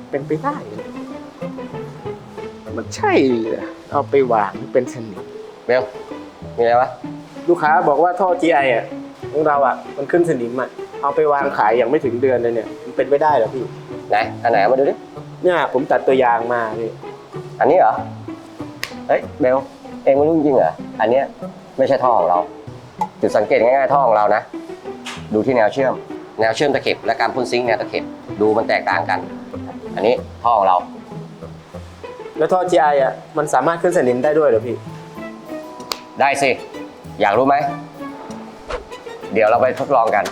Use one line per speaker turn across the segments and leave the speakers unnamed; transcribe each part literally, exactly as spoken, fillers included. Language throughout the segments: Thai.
เป็นไปได้เลยมันใช่เหรอเอาไปวางเป็นสนิม
เบลมีอะไรวะ
ลูกค้าบอกว่าท่อ จี ไอ อ่ะของเราอ่ะมันขึ้นสนิมอ่ะเอาไปวางขายอย่างไม่ถึงเดือนเลยเนี่ยมันเป็นไปได้เหรอพี่
ไหนอันไหนเอามาดูดิ
เนี่ยผมตัดตัวยางมาพี่
อันนี้เหรอเฮ้ยเบลเองไม่รู้จริงเหรออันเนี้ยไม่ใช่ท่อของเราจุดสังเกตง่ายๆท่อของเรานะดูที่แนวเชื่อมแนวเชื่อมตะเข็บและการพ่นซิงค์แนวตะเข็บดูมันแตกต่างกัน อันนี้ท่อของเรา
แล้วท่อ จี ไอ อ่ะมันสามารถขึ้นสนิมได้ด้วยเหรอพี่
ได้สิอยากรู้ไหมเดี๋ยวเราไปทดลองกัน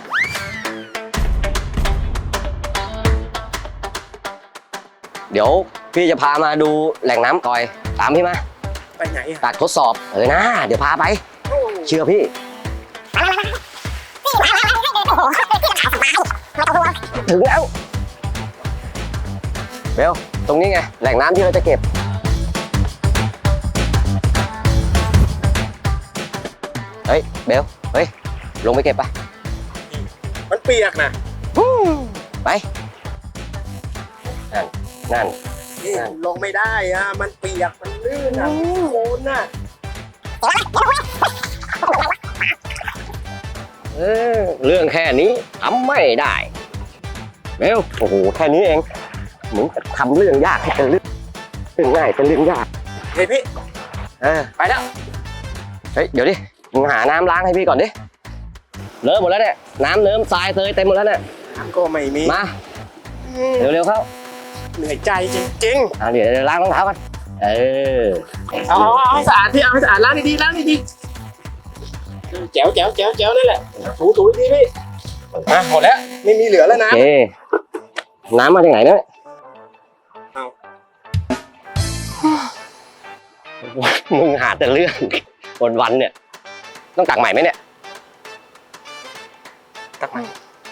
เดี๋ยวพี่จะพามาดูแหล่งน้ำก่อยตามพี่มา
ไปไหนอ่ะ
ตัดทดสอบเออนะเดี๋ยวพาไปเชื่อพี่ถึงแล้วเบลตรงนี้ไงแหล่งน้ำที่เราจะเก็บเฮ้ยเบลเฮ้ยลงไปเก็บไป
มันเปียกนะ
ไปนั่นนั่น
นี่ลงไม่ได้อ่ะมันเปียกมันลื่นอ่ะโคลนอ่ะ
เออเรื่องแค่นี้ทำไม่ได้เบลโอ้โหแค่นี้เองเหมือนกับทำเรื่องยากให้เป็นเรื่องเรื่องง่ายเป็นเรื่องยาก
เฮ้ยพี่
เออไปแล้วเฮ้ยเดี๋ยวดิมึงหาน้ำล้างให้พี่ก่อนดิเลอะหมดแล้วเนี่ยน้ำเนิ้มทรายเตยเต็มหมดแล้วเนี่ย
น้ำก็ไม่มี
มาเร็วๆเข้า
เหนื่อยใจจริง
อ่ะเดี๋ยวเดี๋ยวล้างรองเท้ากันเออ
ๆเอาเอาให้สะอาดพี่เอาให้สะอาดล้างดีๆล้างดีๆแจ๋วแจ๋วแจ๋วแจ๋วนั่นแหละถูถูดีพี่อ่ะหมดแล้วไม่มีเหลือแล้วนะ
โอเคน้ำมาจากไหนเนี่ย
เอา
มึงหาแต่เรื่องวันๆเนี่ยต้องตักใหม่ไหมเนี่ย
ตักมา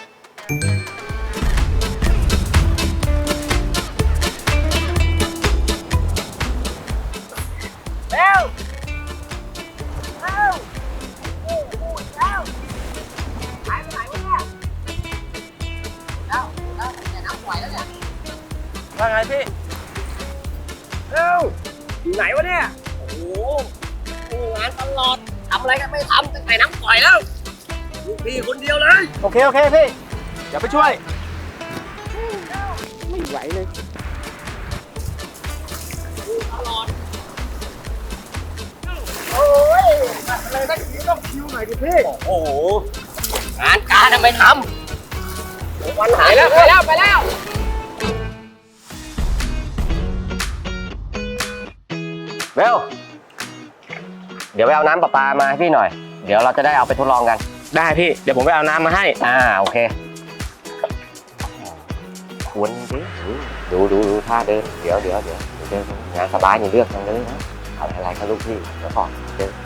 เร็วเร็วโอ้โหเร็วหายไปไหนวะเนี่ยแล้วแล้วแต่น้ำไหวแล้วเนี่ยว่าไงพี่เร็วอยู่ไหนวะเนี่ยโอ้โหงานตลอดทำอะไรกันไม่ทำตั้งแต่น้ำปล่อยแล้วลูกพี่คนเดียวเลยโอเคโอเคพี่เดี๋ยวไปช่วยไม่ไหวเลยตลอดโอ้ยอะไรได้ทีต้องคิวหน่อยดิพี่โอ้โหงานการทำไมทำวันหายแล้วไปแล้วไปแล้ว
เบลเดี๋ยวไปเอาน้ำประปามาให้พี่หน่อยเดี๋ยวเราจะได้เอาไปทดลองกัน
ได้พี่เดี๋ยวผมไปเอาน้ำมาให้
อ่าโอเคควรดิดูดูดูท่าเดินเดี๋ยวเดี๋ยวเดี๋ยวเดินงานสบายอย่าเลือกทางเลยนะเอาอะไรครับลูกพี่เดี๋ยวก่อนเดิน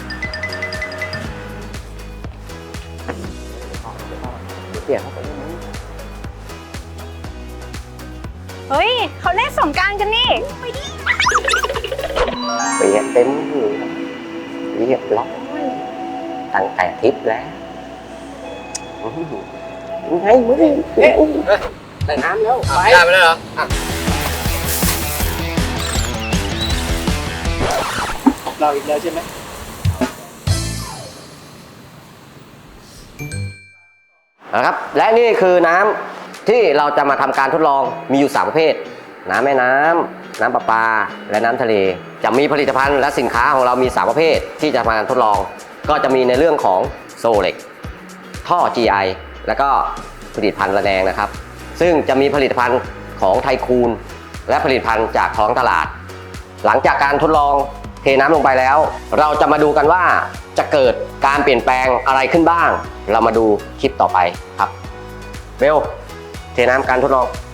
เปลี่ยนเขาไปนิดนึง
เฮ้ยเขาเล่นสงกรานต์กันนี่
เปลี่ยนเต็มเลยเรียบร้อยตั้งแต่ทริปแล้วยังไงมึงเอ๊ะ
ได้น้ำแล้วไป
ได้ไปแล้วเหรอ
เราอีกแล้วใช่ไหม
นะครับและนี่คือน้ำที่เราจะมาทำการทดลองมีอยู่สามประเภทน้ำแม่น้ำน้ำประปาและน้ำทะเลจะมีผลิตภัณฑ์และสินค้าของเรามีสามประเภทที่จะมาทดลองก็จะมีในเรื่องของโซเล็กท่อ จี ไอ แล้วก็ผลิตภัณฑ์ระแนงนะครับซึ่งจะมีผลิตภัณฑ์ของไทคูนและผลิตภัณฑ์จากท้องตลาดหลังจากการทดลองเทน้ำลงไปแล้วเราจะมาดูกันว่าจะเกิดการเปลี่ยนแปลงอะไรขึ้นบ้างเรามาดูคลิปต่อไปครับเบลเทน้ำการทดลอง